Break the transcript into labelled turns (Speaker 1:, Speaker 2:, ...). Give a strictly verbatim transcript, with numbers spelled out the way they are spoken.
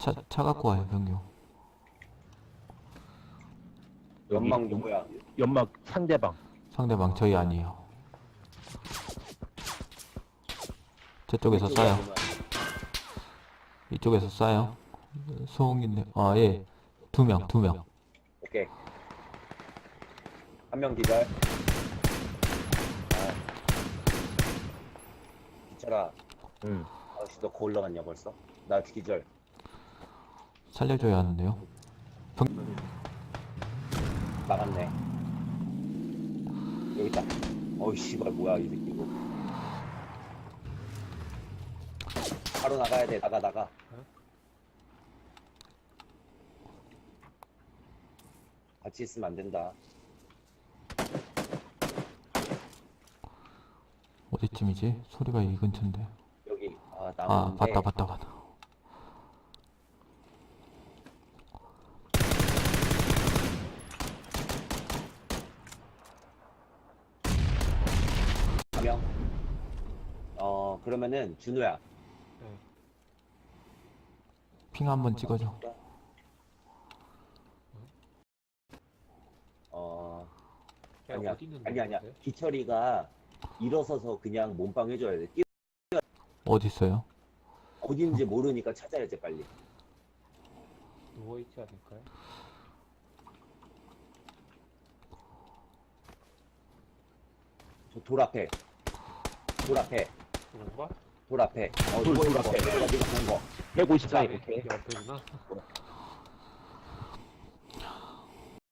Speaker 1: 차, 차 갖고 와요, 병규.
Speaker 2: 연막 누구야?
Speaker 3: 연막 상대방.
Speaker 1: 상대방 저희 아니에요. 저쪽에서 쏴요. 이쪽에서 쏴요. 소음인데, 아, 예. 두 명, 두 명.
Speaker 2: 오케이. 한 명 기절. 아. 기철아,
Speaker 3: 응.
Speaker 2: 아저씨 너 거 올라갔냐 벌써? 나 기절.
Speaker 1: 살려줘야 하는데요. 병...
Speaker 2: 나갔네. 여기 있다. 어이 씨발 뭐야 이 새끼 이거. 바로 나가야 돼. 나가 나가. 같이 있으면 안 된다.
Speaker 1: 어디쯤이지? 소리가 이 근처인데.
Speaker 2: 여기 아
Speaker 1: 아,
Speaker 2: 나무인데.
Speaker 1: 봤다, 봤다, 봤다.
Speaker 2: 한 명. 어 그러면은 준우야.
Speaker 1: 핑 한번 찍어줘.
Speaker 2: 어
Speaker 4: 야,
Speaker 2: 아니야
Speaker 4: 어디 있는데,
Speaker 2: 아니 아니야.
Speaker 4: 근데?
Speaker 2: 기철이가 일어서서 그냥 몸빵 해줘야 돼. 뛰어
Speaker 1: 어디 있어요?
Speaker 2: 어디 있는지 모르니까 찾아야지 빨리.
Speaker 4: 누워있지 않을까요?
Speaker 2: 저 돌 앞에. 돌 앞에.
Speaker 4: 누군가?
Speaker 2: 돌 앞에. 어,
Speaker 3: 돌,
Speaker 2: 돌
Speaker 3: 돌
Speaker 2: 앞에.
Speaker 3: 앞에.
Speaker 2: 내가 네가 본 거.
Speaker 3: 백오십사.
Speaker 2: 오케이.
Speaker 4: 여기 옆에구나.